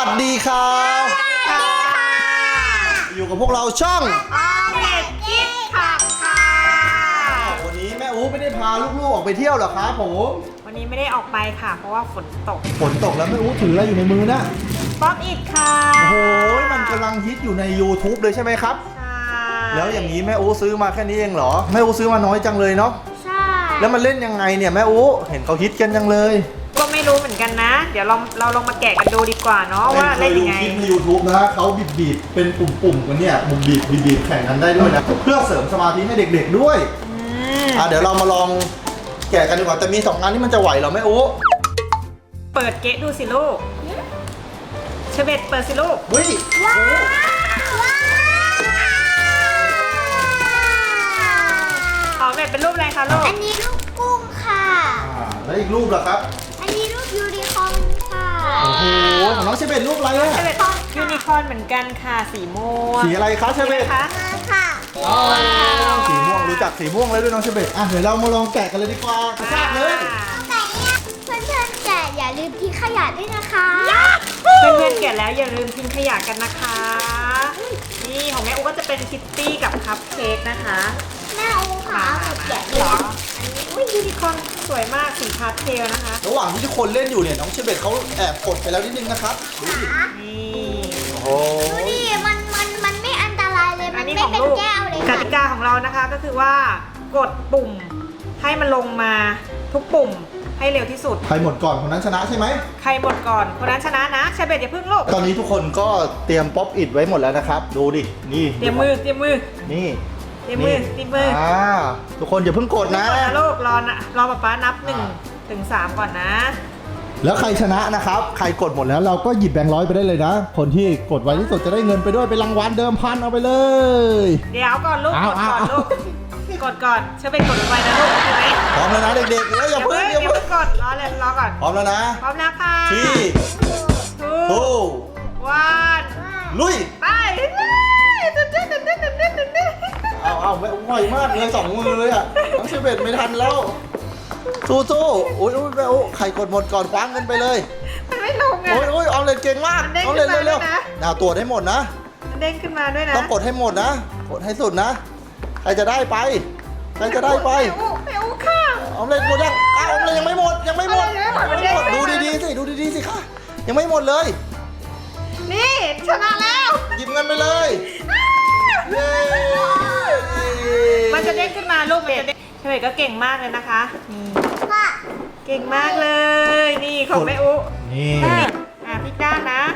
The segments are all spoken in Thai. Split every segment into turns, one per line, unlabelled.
วัสดีครับอยู่กับพวกเราช่อง
เด็กกิ๊กขับค่ะ
วันนี้แม่อู๋ไม่ได้พาลูกๆออกไปเที่ยวหรอครับผม
วันนี้ไม่ได้ออกไปค่ะเพราะว่าฝนตก
แล้วแม่อู๋ถืออะไรอยู่ในมือนะ
ป๊อปอิทค่ะ
โอ้โหมันกำลังฮิตอยู่ใน YouTube เลยใช่ไหมครับ
ใช่
แล้วอย่างนี้แม่อู๋ซื้อมาแค่นี้เองเหรอแม่อู๋ซื้อมาน้อยจังเลยเนาะ
ใช่
แล้วมันเล่นยังไงเนี่ยแม่อู๋เห็นเขาฮิตกันจังเลย
ก็ไม่รู้เหมือนกันนะเดี๋ยวเราลองมาแกะกันดูดีกว่าเนาะว่าเล่นยังไง
คลิปใน YouTube นะเขาบีบเป็นปุ่มๆกันเนี่ยบีบแข่งกันได้ด้วยนะเพื่อเสริมสมาธิให้เด็กๆด้วยเดี๋ยวเรามาลองแกะกันดีกว่าแต่มี2งานที่มันจะไหวเหรอแม่อู๋
เปิดเกะดูสิลูกเชเบตเปิดสิลูก
เฮ้ย
ว้าวของเบ็ดเป็นรูปอะไรคะลูก
อันนี้รูปกุ้งค่ะ
แล้วอีกรูปล่ะครับ
อันนี้รูปยูนิคอร์นค่ะ
โอ้โหของน้องเชเบตรูปอะไรอะ
เชเบตยูนิคอร์นเหมือนกันค่ะสีม่วง
สีอะไรคะเชเบต
ค่ะ
สีม่วงรู้จักสีม่วงเลยด้วยน้องเชเบตเดี๋ยวเรามาลองแกะกันเลยดีกว่ากระชากเลย
แต่เนี่ยเพื่อนๆแกะอย่าลืมทิ้งขยะด้วยนะคะ
เพื่อนๆแกะแล้วอย่าลืมทิ้งขยะกันนะคะนี่ของแม่อูก็จะเป็นคิตตี้กับคัพเค้กนะคะ
แม่อูค่ะแกะ
เหรออันนี้ยูนิคอร์นสวยมากสีพาสเทลนะคะ
ระหว่างที่ทุกคนเล่นอยู่เนี่ยน้องเชเบตเขาแอบกดไปแล้วนิดนึงนะครับดูดิ
นี่
โอ้
ดูดิมันไม่อันตรายเลยมันไม่เป็นแก้วเลย
กติกาของเรานะคะก็คือว่ากดปุ่มให้มันลงมาทุกปุ่มให้เร็วที่สุด
ใครหมดก่อนคนนั้นชนะใช่ไหม
ใครหมดก่อนคนนั้นชนะนะเชเบตอย่าพึ่งลูก
ตอนนี้ทุกคนก็เตรียมป๊อปอิทไว้หมดแล้วนะครับดูดินี่
เตรียมมือนี่
เตรียมมือทุกคนอย่าเพิ่งกดนะ
ลูกรอป๊านับ1 ถึง 3ก่อนนะ
แล้วใครชนะนะครับใครกดหมดแล้วเราก็หยิบแบงค์ร้อยไปได้เลยนะคนที่กดไวที่สุดจะได้เงินไปด้วยเป็นรางวัลเดิมพันเอาไปเลย
เดี๋ยวก่อนลูกกดก่อนลูกกดก่อนเชื่อไปกดไว้นะลูกใช่ไหม
พร้อมแล้วนะเด็กๆแล้วอย่าเพิ่ง
กดรอก่อน
พร้อมแล้วนะ
พร้อมแล้วค่ะ
2 1ลุย
ไป
เอาไม่ไหวมากเลย2 มือเลยอ่ะน้องเชเบตไม่ทันแล้วสู้โอ้ยแม่โอ้ใครกดหมดก่อนคว้างเงินไปเลย
มันไม่ลงไง
โอ้ยออมเล็ตเก่งมากออมเล็ตเร็วๆตัวให้หมดนะ
เด้งขึ้นมาด้วยนะ
ต้องกดให้หมดนะกดให้สุดนะใครจะได้ไปไม่
อู้ค่ะ
ออมเล็ตหมดยังออมเล็ตยังไม่หมดดูดีๆสิค่ะยังไม่หมดเลย
นี่ชนะแล้ว
หยิบเงินไปเลย
มันจะเด้งขึ้นมาลูกเบสเฉลยก็เก่งมากเลยนะคะเก่งมากเลยนี่ของแม่อุ
นี่
พลิกด้านนะ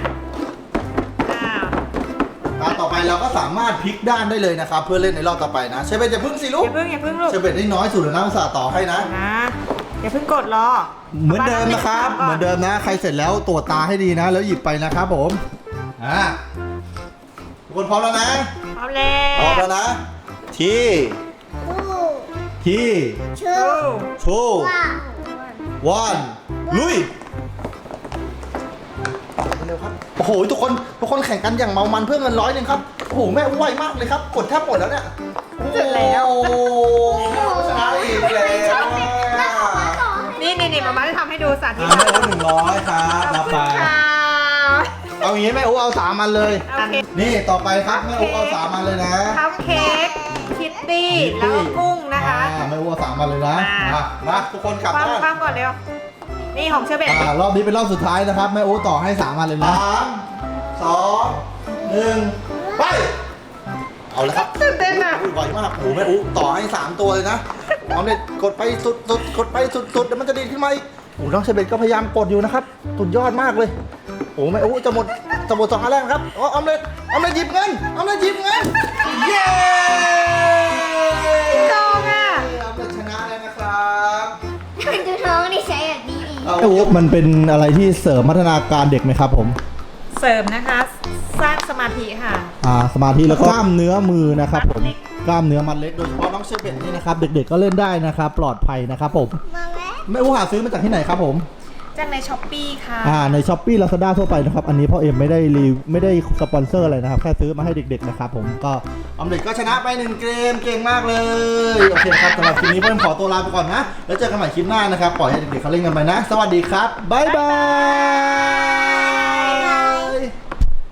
ต่อไปเราก็สามารถพลิกด้านได้เลยนะครับเพื่อเล่นในรอบต่อไปนะเชเบตอย่าพึ่งสิลูก
อย่าพึ่งลูก
เชเบตได้น้อยสุดแล้วนะอุตส่าห์ต่อให้นะ
อย่าพึ่งกดรอ
เหมือนเดิมนะครับเหมือนเดิมนะใครเสร็จแล้วตรวจตาให้ดีนะแล้วหยิบไปนะครับผมทุกคนพร้อมแล้วนะ
พร้อมแล้ว
นะที่ชูวันลุยเร็วครับโอ้โหทุกคนแข่งกันอย่างเมามันเพื่อเงิน100 นึงครับโอ้โหแม่ไวมากเลยครับกดแทบหมดแล้วเนี่ย
เสร็จแล้ว
ชนะอีกแล้ว
นี่มาจะทำให้ดูสาธิต
แม่100ครับรับไปเอาอย่างนี้แม่เอา3 อันเลยนี่ต่อไปครับแม่เอา3 อันเลยนะ
คัพเค้กคิตตี้แล้วก็กุ้งนะคะ
แม่เอา3 อันเลยนะมาทุกคนกลับบ้าน
ฟังก่อนเร็วนี่ของเชเบต
รอบนี้เป็นรอบสุดท้ายนะครับแม่โอ๊ต่อให้3 อันเลยนะ3 2 1ไปเอาเลยครับ
ตื่นเต้นอ่ะ
ไวมากโอ้แม่โอ๊ต่อให้3 ตัวเลยนะเอาเลยกดไปสุดกดไปสุดแล้วมันจะดีขึ้นมาอีกโอ้น้องเชเบตก็พยายามกดอยู่นะครับสุดยอดมากเลยโอ้แม่โอ๊จะหมด2 อันแรกครับออมเล็ตหยิบเงินเย้
จองอ่ะ
ออมเล็ตชนะเลยนะครับ
ดูท้องดิใช้แบบนี้
มันเป็นอะไรที่เสริมพัฒนาการเด็กไหมครับผม
เสริมนะคะสร้างสมาธิค่ะ
สมาธิแล้วก็กล้ามเนื้อมือนะครับผมกล้ามเนื้อมัดเล็กโดยเฉพาะน้องเชเบตนี่นะครับเด็กๆก็เล่นได้นะครับปลอดภัยนะครับผมแม่อู๋หาซื้อมาจากที่ไหนครับผม
จากในช้อปปี้ค่ะ
ในช้อปปี้ลาซาด้าทั่วไปนะครับอันนี้พ่อเอ็มไม่ได้สปอนเซอร์อะไรนะครับแค่ซื้อมาให้เด็กๆนะครับผมก็ออมเล็ตก็ชนะไป1 เกมเก่งมากเลยโอเคครับสำหรับคลิปนี้พ่อเอ็มขอตัวลาไปก่อนนะแล้วเจอกันใหม่คลิปหน้านะครับปล่อยให้เด็กๆเขาเล่นกันไปนะสวัสดีครับบ๊ายบาย